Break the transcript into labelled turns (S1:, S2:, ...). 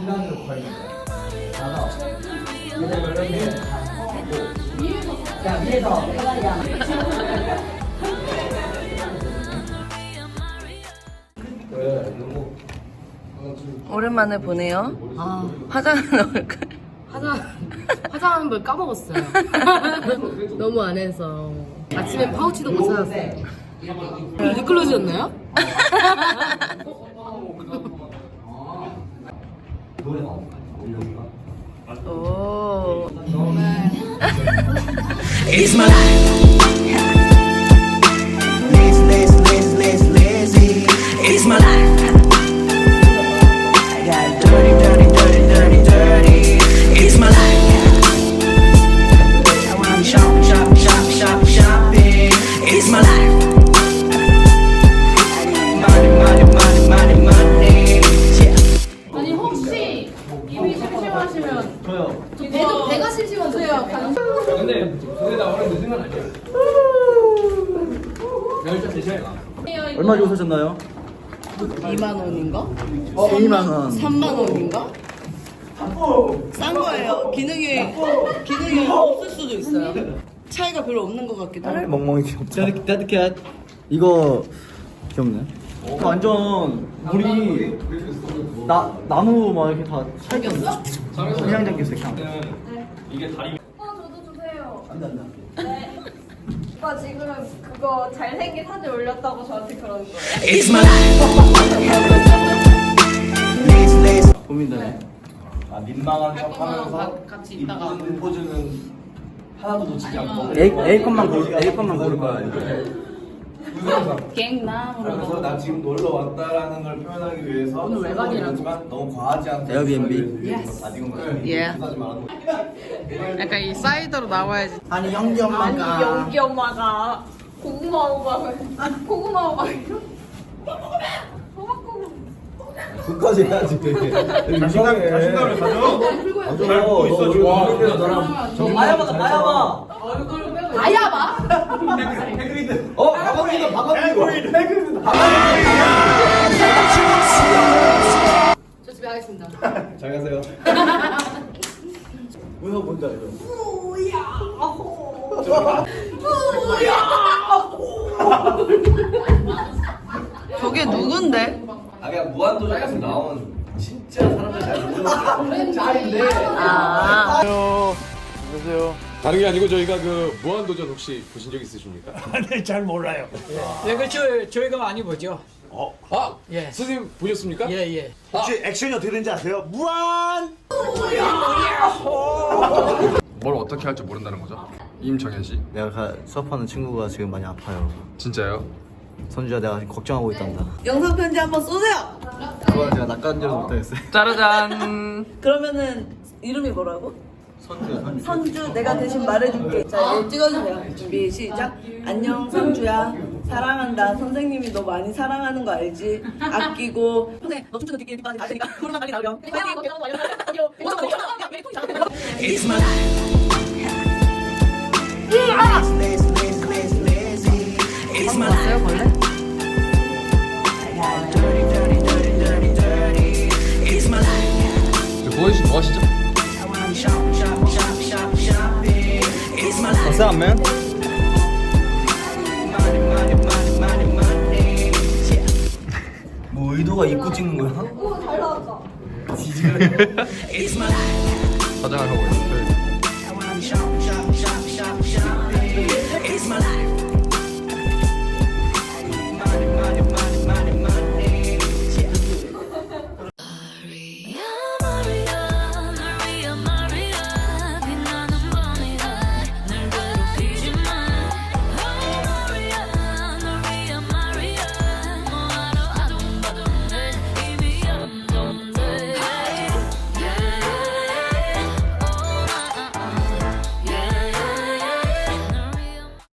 S1: 중간으로 걸리는 거예요. 가서 그대로 이렇게 하고 그냥 위에서 편하게
S2: 오랜만에 보네요.
S3: 아,
S2: 화장한 얼굴.
S3: 화장한 걸 까먹었어요. 너무 안 해서. 아침에 파우치도 못 찾았어요. 립글로즈였나요?
S2: 오.
S4: It's my life. Lazy. It's my life. I got dirty. It's my life. I wanna shopping. It's my life. Money. Yeah.
S3: 아니, 혹시 입이 심심하시면
S1: 저요.
S3: 배가 심심하세요?
S5: 근데 저기다 오늘 늦은 건 아니에요. 열차 대셔야
S1: 얼마 주고 사셨나요?
S3: 2만 원인가?
S1: 2만 원.
S3: 3만 원인가? 싼 거예요. 기능이 없을 수도 있어요. 차이가 별로 없는 것 같기도 하고.
S1: 멍멍이 귀엽다. 따뜻해. 이거 귀엽네. 완전 우리 나무 막 이렇게 다
S3: 생겼어?
S1: 그냥 잠겼어 그냥.
S6: 저도 주세요.
S1: 안돼.
S6: 네. 오빠 지금 그거 잘생긴 사진 올렸다고 저한테 그러는 거예요.
S4: It's my life.
S1: 고민되네.
S5: 민망한 척하면서
S3: 같이 있다가.
S5: 이쁜 포즈는 하나도 놓치지 않고.
S1: A 것만 고를 거야.
S3: 갱남으로.
S5: 그래서 나 지금 놀러 왔다라는 걸 표현하기 위해서
S3: 오늘 외곽이라서.
S5: 하지만 너무 과하지 않게
S1: 에어비앤비?
S2: 예. 약간 이 사이드로 나와야지.
S1: 아니 영기
S6: 아니 연기 엄마가 고구마 오방을 고구마 오방이요?
S5: 끝까지 해야지. 자신감을 가져. 잘 보고 있어 지금.
S1: 저 마야봐.
S3: 아야봐?
S5: 박원기도.
S3: 저 집에 가겠습니다.
S5: 잘 가세요.
S1: 문어 뭔지 알죠?
S2: 저게 누군데?
S5: 아 그냥 무한도전에서 나온 진짜 사람들 잘 모르는 짤인데.
S2: 아.
S1: 안녕하세요.
S7: 다른 게 아니고 저희가 그 무한도전 혹시 보신 적 있으십니까?
S8: 네, 잘 몰라요.
S9: 네, 그렇죠. 저희가 많이 보죠.
S7: 아,
S9: 예.
S7: 선생님 보셨습니까?
S9: 예, 예.
S8: 혹시 액션이 어떻게 되는지 아세요? 무한!
S7: 뭘 어떻게 할지 모른다는 거죠? 임정현 씨?
S1: 내가 수업하는 친구가 지금 많이 아파요.
S7: 진짜요?
S1: 선주야 내가 지금 걱정하고 있단다.
S2: 영상 편지 한번 쏘세요.
S1: 그걸 제가 낚아내지 못하겠어요.
S2: 짜라잔.
S10: 그러면은 이름이 뭐라고? 선주 내가 대신 말해줄게. 자, 얘 찍어주세요. 준비 시작. 안녕 선주야. 사랑한다. 선생님이 너 많이 사랑하는 거 알지? 아끼고. 선생님 너 춤추는 뒷길 뒷바지 알 테니까 코로나 빨리 나오렴.
S4: It's my life. It's my life.
S2: 벌레?
S4: I got dirty. It's my life.
S7: 뭐 하시죠?
S4: I wanna shopping. It's my life.
S1: What's up, man? 뭐 의도가 입고 찍는 거야?
S6: 오 잘 나왔다.
S4: It's my life.
S7: 화장을 하고 있어요.